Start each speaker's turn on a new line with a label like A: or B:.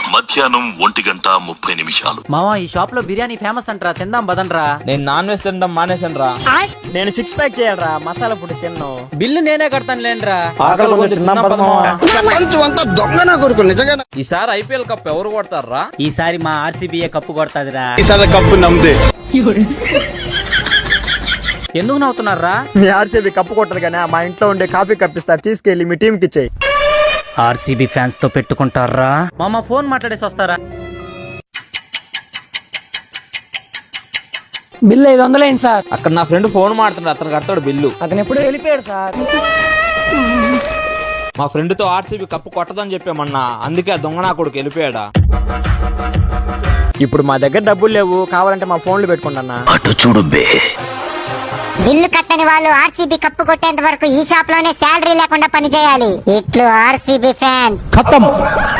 A: మధ్యాహ్నం 1:30
B: మావా ఈ షాప్ లో బిర్యానీ ఫేమస్ అంటరా, తిందాం బదండ్రా.
C: నేను నాన్ వెజ్ తినడం మానేసాను రా.
D: నేను 6 ప్యాక్ చేయాలరా, మసాలా ఫుడ్ తిన్నాను.
B: బిల్లు నేనే కడతాను లేండ్రా.
C: ఈసారి ఐపీఎల్ కప్ ఎవరు కొడతారా?
B: ఈసారి మా ఆర్సీబీ కప్పు కొడతాదిరా.
D: కప్పు నమ్మితే
B: ఎందుకు నవ్వుతున్నారా?
D: మీ ఆర్సీబీ కప్పు కొట్టరు కానీ మా ఇంట్లో ఉండే కాఫీ కప్పిస్తారు, తీసుకెళ్లి మీ టీం కి ఇచ్చేయి.
B: ఆర్సీబీ ఫ్యాన్స్ తో పెట్టుకుంటారా? మామ ఫోన్ మాట్లాడేసి వస్తారా?
E: బిల్లు 500 అయింది సార్.
C: అక్కడ నా ఫ్రెండ్ ఫోన్ మాడుతున్నాడు, అతను కడతాడు బిల్లు.
E: అతను ఎప్పుడు వెళ్ళిపోయాడు సార్.
C: మా ఫ్రెండ్ తో ఆర్సీబీ కప్పు కొట్టదని చెప్పామన్నా, అందుకే ఆ దొంగ నా కొడుకు వెళ్ళిపోయాడా.
D: ఇప్పుడు మా దగ్గర డబ్బులు లేవు, కావాలంటే మా ఫోన్లు పెట్టుకుంటా.
A: అటు చూడు బే.
F: బిల్లు కట్టని వాళ్ళు ఆర్సీబీ కప్పు కొట్టేంత వరకు ఈ షాప్ లోనే శాలరీ లేకుండా పనిచేయాలి. ఇట్లు ఆర్సీబీ ఫ్యాన్స్.
D: ఖతం.